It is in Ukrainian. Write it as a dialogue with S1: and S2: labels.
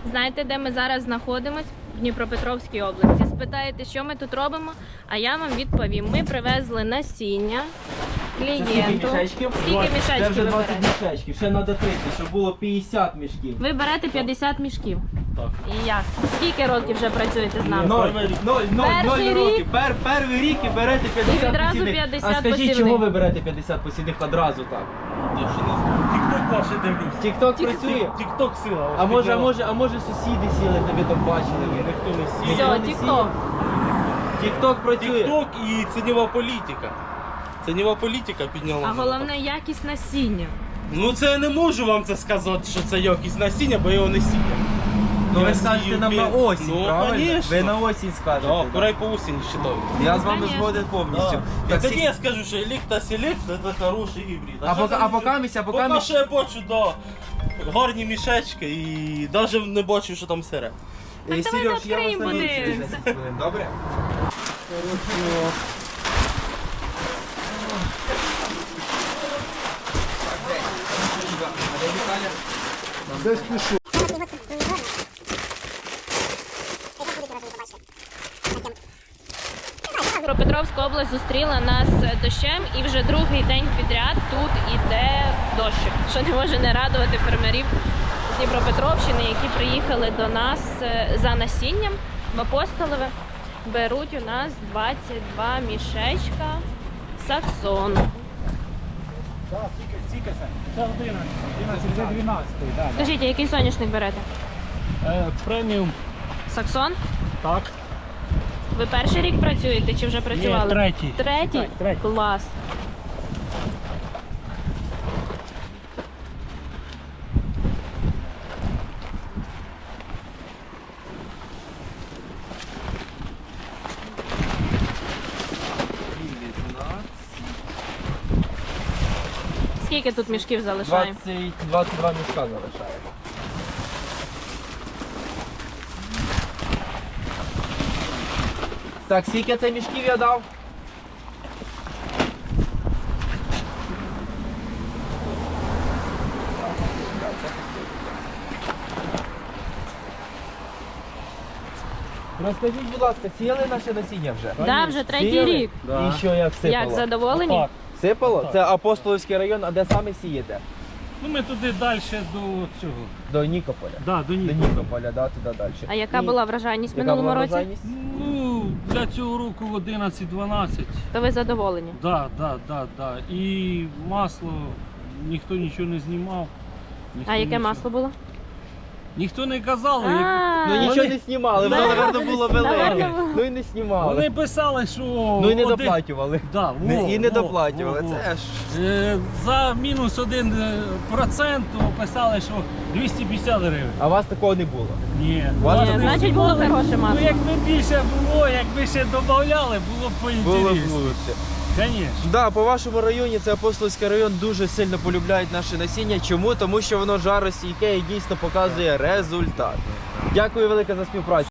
S1: Знаєте, де ми зараз знаходимось? В Дніпропетровській області. Спитаєте, що ми тут робимо, а я вам відповім. Ми привезли насіння клієнту.
S2: Скільки мішечків?
S1: Скільки
S2: Це
S1: мішечків
S2: вже
S1: ви
S2: 20
S1: берете?
S2: мішечків, ще треба 30, щоб було 50 мішків.
S1: Ви берете 50 мішків.
S3: Так.
S1: І як? Скільки років вже працюєте з нами?
S2: Ноль
S1: Перший
S2: років.
S1: рік?
S2: Перший рік і берете 50
S1: І відразу
S2: посівних.
S1: 50
S2: А скажіть,
S1: посівних.
S2: чого ви берете 50 посівних одразу так?
S3: Тік-ток ваше дивлюсь.
S2: Тік-ток працює?
S3: Тік-ток сила.
S2: А може сусіди сіли, тобі там бачили?
S3: Ніхто не сіє.
S1: Все,
S2: Ніхто не
S1: тік-ток.
S2: Тік-ток працює.
S3: Тік-ток і цінова політика. Цінова політика підняла.
S1: А
S3: мене.
S1: головне якість насіння.
S3: Ну це я не можу вам це сказати, що це якість насіння, бо його не сіє.
S2: Ну ви
S3: Я
S2: скажете
S3: сію
S2: нам на
S3: пі-
S2: осінь,
S3: Ну,
S2: правильно?
S3: конечно.
S2: Ви на осінь скажете.
S3: Да,
S2: да.
S3: курай по осені считаю.
S2: Я з вами
S1: Конечно.
S2: згоден повністю.
S3: Так,
S2: Так,
S3: тоді
S2: всі-
S3: я скажу, що елікта селект це хороший гібрид.
S2: А
S3: що
S2: поки-
S3: це
S2: а
S3: не-
S2: поки
S3: Поки що я бачу, да, гарні мішечки і навіть не бачу, що там сире.
S1: Так давайте
S2: Сереж, я вас
S1: відкриємо,
S2: на місці
S1: подивимося.
S2: 10 хвилин, добре?
S4: Десь пишу.
S1: Дніпропетровська область зустріла нас дощем, і вже другий день підряд тут іде дощик, що не може не радувати фермерів з Дніпропетровщини, які приїхали до нас за насінням в Апостолове. Беруть у нас 22 мішечка саксон.
S4: Це 11, да.
S1: Скажіть, а який соняшник берете?
S4: Преміум.
S1: Саксон?
S4: Так.
S1: Ви перший рік працюєте чи вже працювали?
S4: третій.
S1: Третій?
S4: Третій.
S1: Клас. Скільки тут мішків залишаємо?
S2: 22 мішка залишає. Так, скільки це мішків я дав? Розкажіть, будь ласка, сіяли наше насіння вже?
S1: Да, вже третій
S2: Сіяли?
S1: рік.
S3: Да.
S2: І що, як сипало?
S1: Як задоволені?
S4: Так.
S2: Сипало?
S4: Так.
S2: Це Апостолівський район, а де саме сієте?
S4: Ну ми туди далі до цього.
S2: До Нікополя.
S4: Да, до
S2: До
S4: Нікополя.
S2: Нікополя, да, туди далі.
S1: А яка була вражайність в
S2: Яка
S1: минулому
S2: була
S1: році?
S2: врожайність?
S4: Ну, для цього року 11-12.
S1: То ви задоволені?
S4: Да. І масло ніхто нічого не знімав. Ніхто
S1: А яке
S4: нічого-
S1: масло було?
S4: Ніхто не казав. як-
S2: Ну нічого
S4: Вони-
S2: не знімали, воно,
S1: Да.
S2: напевно, було велике.
S1: Наверно, було.
S2: Ну і не знімали.
S4: Вони писали, що.
S2: Ну і не
S4: один-
S2: доплачували.
S4: Да,
S2: І не доплачували. Це ж.
S4: За мінус 1% писали, що 250 гривень.
S2: А у вас такого не було.
S4: Ні.
S2: Вас
S1: Ні,
S2: не
S1: значить було
S4: знімали.
S1: хороше масло.
S4: Ну якби більше було, якби ще додавали, було б
S2: Було б
S4: поінтересніше.
S2: лучше.
S4: Звісно.
S2: Да, по вашому районі, це Апостолівський район, дуже сильно полюбляють наше насіння. Чому? Тому що воно жаростійке і дійсно показує результат. Дякую велике за співпрацю.